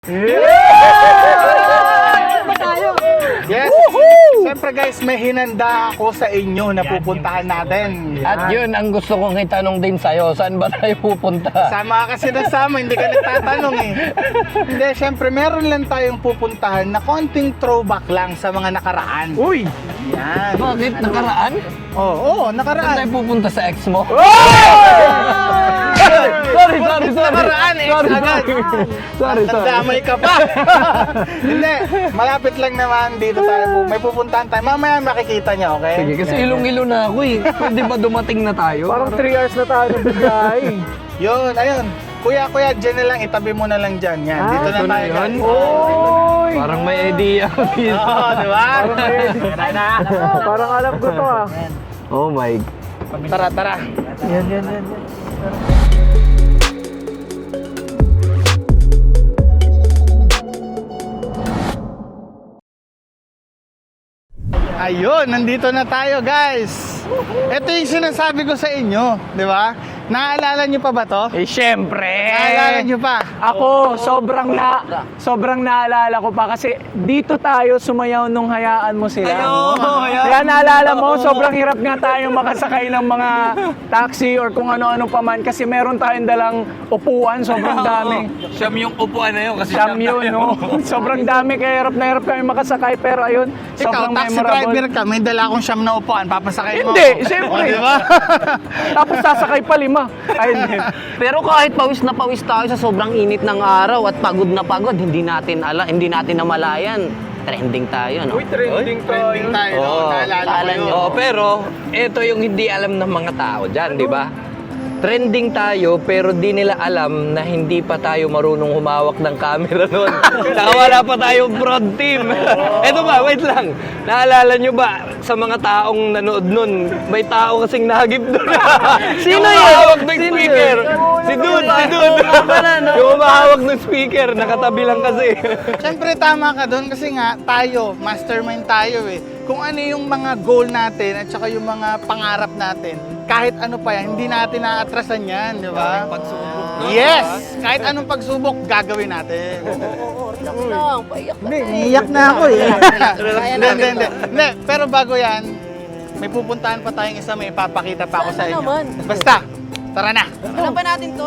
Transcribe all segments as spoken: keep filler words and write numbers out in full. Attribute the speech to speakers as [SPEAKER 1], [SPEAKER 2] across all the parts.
[SPEAKER 1] Yes! Siyempre guys, may hinanda ako sa inyo na pupuntahan natin.
[SPEAKER 2] At yun ang gusto kong itanong din sa'yo, saan ba tayo pupunta?
[SPEAKER 1] Sama ka kasi nasama, hindi ka nagtatanong eh. Hindi, siyempre meron lang tayong pupuntahan na konting throwback lang sa mga nakaraan.
[SPEAKER 2] Uy!
[SPEAKER 1] Yan.
[SPEAKER 2] Bakit? Nakaraan?
[SPEAKER 1] Oo, oh, oh,
[SPEAKER 2] Saan
[SPEAKER 1] nakaraan.
[SPEAKER 2] tayo pupunta sa ex mo? Sorry, sorry, sorry.
[SPEAKER 1] Nakaraan eh,
[SPEAKER 2] Sorry,
[SPEAKER 1] agad.
[SPEAKER 2] sorry, sorry.
[SPEAKER 1] Nadamay ka pa. Hindi, malapit lang naman dito tayo. May pupuntahan tayo. Mamaya makikita niya, okay?
[SPEAKER 2] Sige, kasi ilong-ilo na ako eh. Pwede ba dumating na tayo?
[SPEAKER 3] Parang three hours na tayo ng biyahe.
[SPEAKER 1] Yun, ayun. Kuya, kuya, dyan na lang. Itabi mo na lang dyan. Yan,
[SPEAKER 3] Ah,
[SPEAKER 1] dito na
[SPEAKER 2] ito na
[SPEAKER 1] tayo.
[SPEAKER 2] yun?
[SPEAKER 1] guys.
[SPEAKER 3] Oy!
[SPEAKER 2] Parang may idea ako dito.
[SPEAKER 1] Oo, di ba?
[SPEAKER 3] Parang alam ko to ah.
[SPEAKER 2] Oh my.
[SPEAKER 1] Tara, tara.
[SPEAKER 3] Yan, yan, yan.
[SPEAKER 1] Ayun, nandito na tayo, guys. Ito yung sinasabi ko sa inyo, di ba? Naaalala nyo pa ba to?
[SPEAKER 3] Eh, syempre.
[SPEAKER 1] Naaalala nyo pa?
[SPEAKER 3] Ako, sobrang na, sobrang naalala ko pa kasi dito tayo sumayaw nung hayaan mo sila. Kaya naalala mo, sobrang hirap nga tayo makasakay ng mga taxi or kung ano-ano pa man kasi meron tayong dalang upuan, sobrang dami.
[SPEAKER 2] Siyam yung upuan na yun kasi
[SPEAKER 3] Siyam yun, no? Sobrang dami, kaya hirap na hirap kami makasakay pero ayun,
[SPEAKER 1] Ikaw,
[SPEAKER 3] sobrang
[SPEAKER 1] taxi
[SPEAKER 3] memorable.
[SPEAKER 1] driver ka, may dala akong siyam na upuan, papasakay mo.
[SPEAKER 3] Hindi,
[SPEAKER 1] ako.
[SPEAKER 3] siyempre.
[SPEAKER 1] O, di ba?
[SPEAKER 3] Tapos sasakay pa lima. Ay, hindi.
[SPEAKER 4] Pero kahit pawis na pawis tayo sa sobrang init ng araw at pagod na pagod, hindi natin ala, hindi natin namalayan. Trending tayo, no?
[SPEAKER 3] trending
[SPEAKER 1] Trending tayo, no?
[SPEAKER 2] Oo,
[SPEAKER 1] Naalala ko
[SPEAKER 4] naalala
[SPEAKER 1] yun.
[SPEAKER 4] nyo.
[SPEAKER 2] Oh, pero ito yung hindi alam ng mga tao dyan, di ba? Trending tayo pero di nila alam na hindi pa tayo marunong humawak ng camera noon. Saka wala pa tayong prod team. Ito ba, wait lang. Naalala nyo ba sa mga taong nanood nun, may tao kasing nahagip doon.
[SPEAKER 4] Sino
[SPEAKER 2] yung
[SPEAKER 4] yun?
[SPEAKER 2] humahawak ng
[SPEAKER 4] Sino
[SPEAKER 2] speaker.
[SPEAKER 4] yun?
[SPEAKER 2] Si Dude, si Dude. Yung humahawak ng speaker, nakatabi lang kasi.
[SPEAKER 1] Siyempre tama ka doon kasi nga tayo, mastermind tayo eh. Kung ano yung mga goal natin at saka yung mga pangarap natin, kahit ano pa yan, hindi natin naatrasan yan, di ba? Yes! Kahit anong pagsubok, gagawin natin. Hindi, iiyak na ako eh. Hindi, hindi, hindi. Hindi, pero bago yan, may pupuntahan pa tayong isa, may ipapakita pa ako sa inyo. Basta, tara na.
[SPEAKER 4] Ano ba natin to?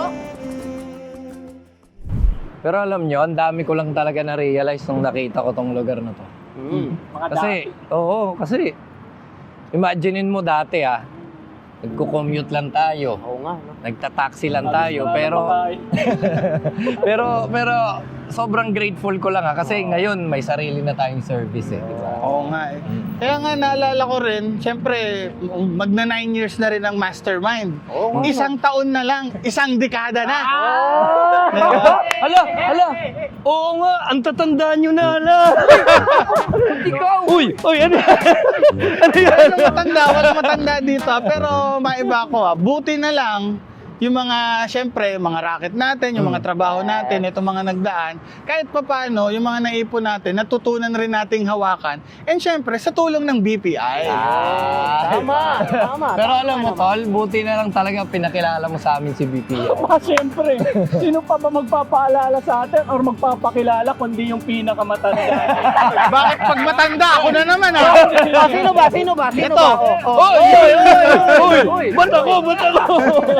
[SPEAKER 2] Pero alam nyo, ang dami ko lang talaga na-realize nung nakita ko tong lugar na to. Kasi, oo, kasi, imaginein mo dati ah, nagko-commute lang tayo.
[SPEAKER 4] Oo nga, no?
[SPEAKER 2] Nagta-taxi lang tayo, pero pero pero sobrang grateful ko lang ha kasi ngayon may sarili na tayong service eh, di ba?
[SPEAKER 1] Oo nga eh. Kaya nga naalala ko rin, syempre, magna nine years na rin ang mastermind. Isang taon na lang, isang dekada na. Diba?
[SPEAKER 2] Hala, hala. Oo nga, ang tatanda nyo na hala. Ikaw. Uy, uy, ano? Ano yan?
[SPEAKER 1] Walang matanda, walang matanda dito. ah. Pero maiba ko ah. Buti na lang, yung mga, syempre, mga racket natin, yung mga trabaho natin, itong mga nagdaan, kahit pa paano, yung mga naipon natin, natutunan rin nating hawakan. And syempre, sa tulong ng B P I.
[SPEAKER 4] Tama, tama.
[SPEAKER 2] Pero alam mo, Tol, buti na lang talaga pinakilala mo sa amin si B P I.
[SPEAKER 3] Ah, siyempre. Sino pa ba magpapaalala sa atin or magpapakilala kundi yung pinakamatanda?
[SPEAKER 1] Bakit pag matanda, ako na naman ah.
[SPEAKER 4] Ah, sino ba? Sino ba? Sino
[SPEAKER 1] Ito.
[SPEAKER 4] ba?
[SPEAKER 1] Oh,
[SPEAKER 2] Uy, uy, uy, uy, ba't ako, ba't ako?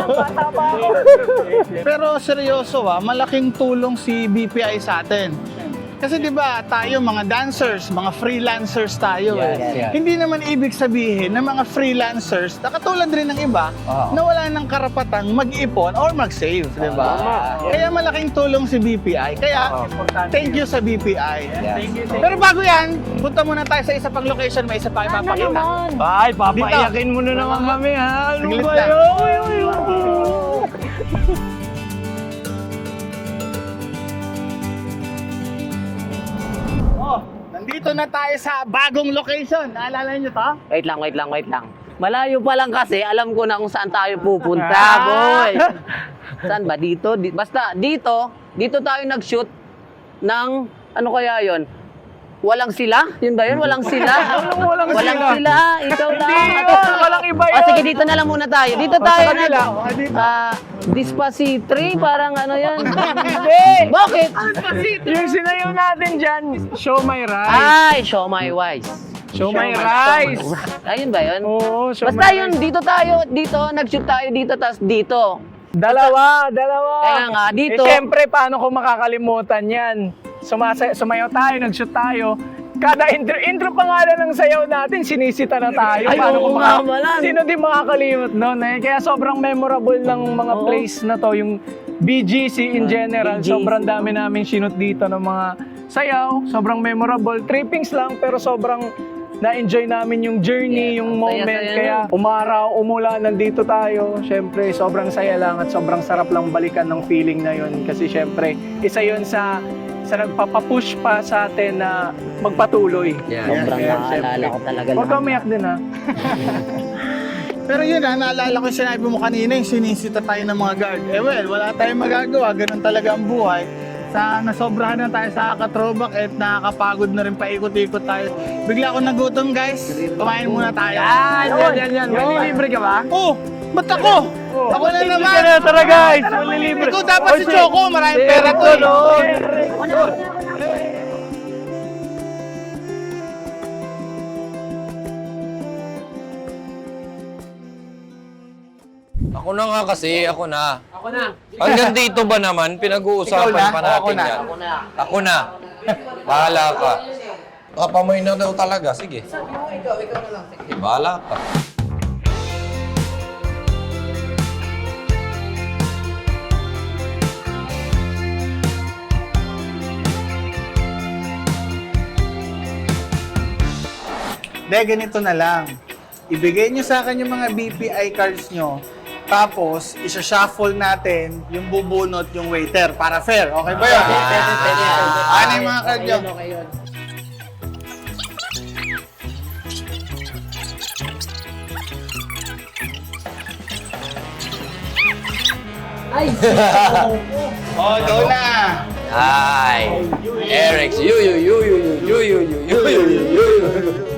[SPEAKER 1] Pero seryoso ah, malaking tulong si B P I sa atin. Kasi 'di ba, tayo mga dancers, mga freelancers tayo
[SPEAKER 2] Yes,
[SPEAKER 1] eh.
[SPEAKER 2] yes.
[SPEAKER 1] Hindi naman ibig sabihin na mga freelancers, na katulad rin ng iba,
[SPEAKER 2] Oo.
[SPEAKER 1] na wala ng karapatang mag-ipon or mag-save, 'di ba? Kaya malaking tulong si B P I. Kaya thank you sa B P I.
[SPEAKER 2] Yes.
[SPEAKER 1] Pero bago 'yan, punta muna tayo sa isa pang location, may isa pa ipapakita.
[SPEAKER 2] Ay, papaiyakin mo na naman kami ha. Ano
[SPEAKER 1] Saglit
[SPEAKER 2] ba
[SPEAKER 1] lang.
[SPEAKER 2] yun? Uy, uy, uy.
[SPEAKER 1] Oh, nandito na tayo sa bagong location. Naalala niyo 'to?
[SPEAKER 4] Wait lang, wait lang, wait lang. Malayo pa lang kasi, alam ko na kung saan tayo pupunta,
[SPEAKER 1] Ah.
[SPEAKER 4] boy. Saan ba? Dito? Di- basta dito, dito tayo nag-shoot ng, ano kaya yon? Walang sila? Yun ba yun? Walang sila?
[SPEAKER 3] Walang- walang sila.
[SPEAKER 4] sila. Ikaw lang.
[SPEAKER 3] Hindi
[SPEAKER 4] Ate,
[SPEAKER 3] yun, walang iba
[SPEAKER 4] O
[SPEAKER 3] yun.
[SPEAKER 4] sige, dito na lang muna tayo. Dito
[SPEAKER 3] O, sa
[SPEAKER 4] tayo
[SPEAKER 3] kanila.
[SPEAKER 4] na.
[SPEAKER 3] O, dito.
[SPEAKER 4] Ah, Despacito, parang ano yan.
[SPEAKER 3] Hindi!
[SPEAKER 4] Bakit?
[SPEAKER 3] Yung sinayaw natin dyan, show my rice.
[SPEAKER 4] Ay, show my wise.
[SPEAKER 3] Show my rice.
[SPEAKER 4] Ayun ba yun?
[SPEAKER 3] Oo, show
[SPEAKER 4] Basta
[SPEAKER 3] my
[SPEAKER 4] yun,
[SPEAKER 3] rice.
[SPEAKER 4] dito tayo, dito, nag-shoot tayo dito, tas dito.
[SPEAKER 3] Dalawa, dalawa.
[SPEAKER 4] Kaya nga, dito-
[SPEAKER 3] Eh, siyempre, paano ko makakalimutan yan? Sumasa sumayaw tayo, nag-shoot tayo. Kada intro, intro pa nga lang ng sayaw natin, sinisita na tayo.
[SPEAKER 4] Ay,
[SPEAKER 3] Paano
[SPEAKER 4] oo
[SPEAKER 3] ko
[SPEAKER 4] nga,
[SPEAKER 3] maka-
[SPEAKER 4] malan.
[SPEAKER 3] Sino di makakalimot nun eh? Kaya sobrang memorable ng mga
[SPEAKER 4] Oo.
[SPEAKER 3] place na to, yung B G C in general.
[SPEAKER 4] B G C.
[SPEAKER 3] Sobrang dami namin sinut dito ng mga sayaw. Sobrang memorable. Trippings lang, pero sobrang na-enjoy namin yung journey,
[SPEAKER 4] Yes,
[SPEAKER 3] yung
[SPEAKER 4] ang
[SPEAKER 3] moment.
[SPEAKER 4] saya-saya
[SPEAKER 3] Kaya
[SPEAKER 4] nun.
[SPEAKER 3] umaraw, umulan, nandito tayo. Siyempre, sobrang saya lang at sobrang sarap lang balikan ng feeling na yun. Kasi siyempre, isa yun sa sa nagpapapush pa sa atin na magpatuloy.
[SPEAKER 2] Yeah.
[SPEAKER 4] Sobrang
[SPEAKER 3] Yeah,
[SPEAKER 4] naalala
[SPEAKER 3] syempre.
[SPEAKER 4] ko talaga.
[SPEAKER 3] Huwag
[SPEAKER 4] lahat.
[SPEAKER 3] kang umiyak din ha.
[SPEAKER 1] Pero yun ha, naalala ko yung sinabi mo kanina, yung sinisita tayo ng mga guard. Eh well, wala tayong magagawa, ganun talaga ang buhay. Sa nasobrahan na tayo sa katrobak at nakakapagod na rin paikot-ikot tayo. Bigla ako nagutom guys, kumain muna tayo.
[SPEAKER 3] Yan, yan, yan, yan. Malilibre ka ba?
[SPEAKER 1] Oh, ba't ako?
[SPEAKER 3] Oh.
[SPEAKER 1] Ako na naman.
[SPEAKER 3] Ka na, tara guys. Malilibre.
[SPEAKER 1] Ikaw dapat si Choco, maraming pera to. eh.
[SPEAKER 2] Ako na nga kasi, ako na. Ako na. Hanggang dito ba naman,
[SPEAKER 1] Ikaw
[SPEAKER 2] pinag-uusapan
[SPEAKER 1] na?
[SPEAKER 2] pa
[SPEAKER 1] O, ako
[SPEAKER 2] natin
[SPEAKER 1] na.
[SPEAKER 2] yan. Ako na. Bahala ka. Kapamoy na daw talaga, sige. Ikaw, ikaw na lang. Sige, bahala ka.
[SPEAKER 1] De, ganito na lang. Ibigay nyo sa akin yung mga B P I cards nyo. Tapos, isa-shuffle natin yung bubunot yung waiter para fair. Okay ba yun?
[SPEAKER 4] Pwede, pwede, pwede.
[SPEAKER 1] Ano yung mga card nyo?
[SPEAKER 4] Okay yun.
[SPEAKER 1] Oh, go na!
[SPEAKER 2] Ay! Eric, you, you, you, you, you, you, you, you, you, you, you, you, you.